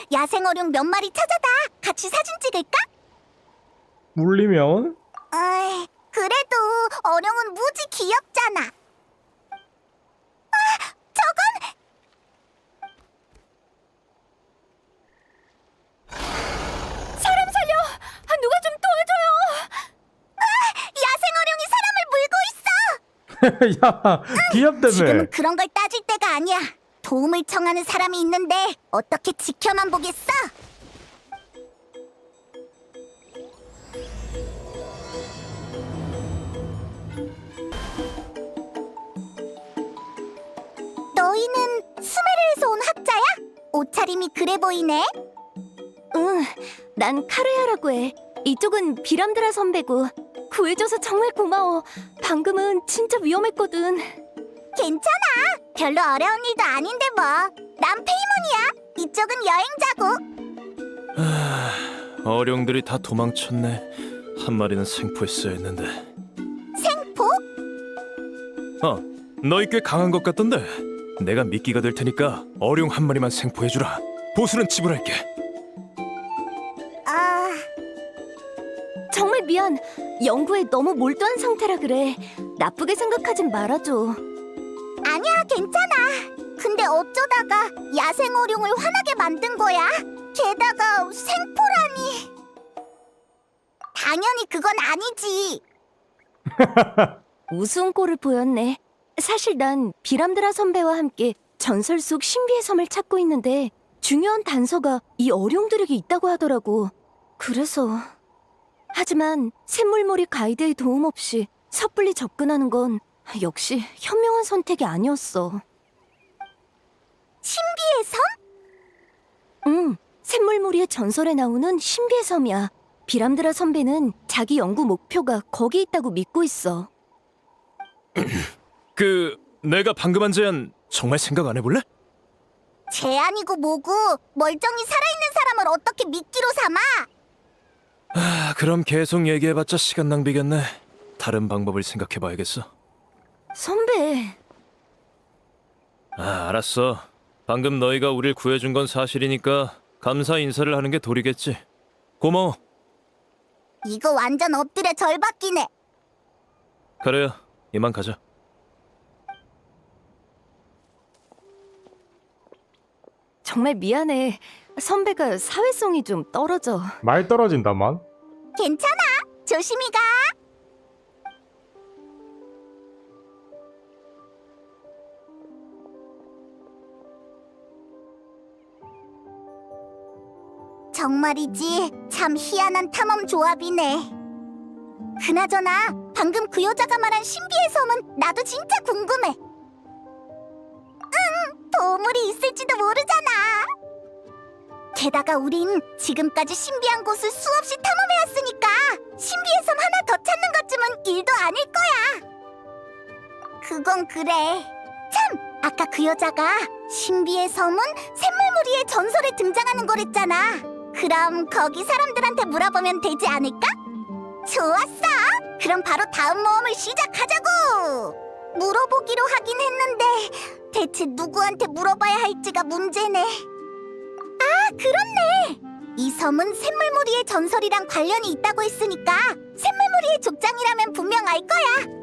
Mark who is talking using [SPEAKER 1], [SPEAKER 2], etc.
[SPEAKER 1] 야생어룡 몇 마리 찾아다 같이 사진 찍을까?
[SPEAKER 2] 물리면?
[SPEAKER 1] 그래도 어룡은 무지 귀엽잖아. 저건 사람 살려! 누가 좀 도와줘요! 야생어룡이 사람을 물고 있어!
[SPEAKER 2] 야, 귀엽다며.
[SPEAKER 1] 지금은 그런 걸 따질 때가 아니야. 도움을 청하는 사람이 있는데 어떻게 지켜만 보겠어? 너희는 수메르에서 온 학자야? 옷차림이 그래 보이네.
[SPEAKER 3] 응, 난 카르야라고 해. 이쪽은 비람드라 선배고. 구해줘서 정말 고마워. 방금은 진짜 위험했거든.
[SPEAKER 1] 괜찮아. 별로 어려운 일도 아닌데 뭐. 난 페이몬이야. 이쪽은 여행자고.
[SPEAKER 4] 어룡들이 다 도망쳤네. 한 마리는 생포했어야 했는데.
[SPEAKER 1] 생포?
[SPEAKER 4] 너희 꽤 강한 것 같던데. 내가 미끼가 될 테니까 어룡 한 마리만 생포해주라. 보수는 지불할게.
[SPEAKER 1] 아...
[SPEAKER 3] 정말 미안. 연구에 너무 몰두한 상태라 그래. 나쁘게 생각하진 말아줘.
[SPEAKER 1] 아니야, 괜찮아. 근데 어쩌다가 야생어룡을 화나게 만든 거야? 게다가 생포라니. 당연히 그건 아니지.
[SPEAKER 3] 우스운 꼴을 보였네. 사실 난 비람드라 선배와 함께 전설 속 신비의 섬을 찾고 있는데 중요한 단서가 이 어룡들에게 있다고 하더라고. 그래서... 하지만 샘물몰이 가이드의 도움 없이 섣불리 접근하는 건 역시 현명한 선택이 아니었어.
[SPEAKER 1] 신비의 섬?
[SPEAKER 3] 응, 샘물몰이의 전설에 나오는 신비의 섬이야. 비람드라 선배는 자기 연구 목표가 거기 있다고 믿고 있어.
[SPEAKER 4] 내가 방금 한 제안 정말 생각 안 해볼래?
[SPEAKER 1] 제안이고 뭐고 멀쩡히 살아있는 사람을 어떻게 미끼로 삼아?
[SPEAKER 4] 그럼 계속 얘기해봤자 시간 낭비겠네. 다른 방법을 생각해봐야겠어.
[SPEAKER 3] 선배,
[SPEAKER 4] 알았어. 방금 너희가 우릴 구해준 건 사실이니까 감사 인사를 하는 게 도리겠지. 고마워.
[SPEAKER 1] 이거 완전 엎드려 절받기네.
[SPEAKER 4] 그래요. 이만 가자.
[SPEAKER 3] 정말 미안해. 선배가 사회성이 좀 떨어져.
[SPEAKER 2] 말 떨어진다만.
[SPEAKER 1] 괜찮아. 조심히 가. 정말이지. 참 희한한 탐험 조합이네. 그나저나 방금 그 여자가 말한 신비의 섬은 나도 진짜 궁금해. 보물이 있을지도 모르잖아. 게다가 우린 지금까지 신비한 곳을 수없이 탐험해왔으니까 신비의 섬 하나 더 찾는 것쯤은 일도 아닐 거야. 그건 그래. 참! 아까 그 여자가 신비의 섬은 샘물무리의 전설에 등장하는 거랬잖아. 그럼 거기 사람들한테 물어보면 되지 않을까? 좋았어! 그럼 바로 다음 모험을 시작하자고! 물어보기로 하긴 했는데 대체 누구한테 물어봐야 할지가 문제네. 아, 그렇네. 이 섬은 샘물무리의 전설이랑 관련이 있다고 했으니까 샘물무리의 족장이라면 분명 알 거야.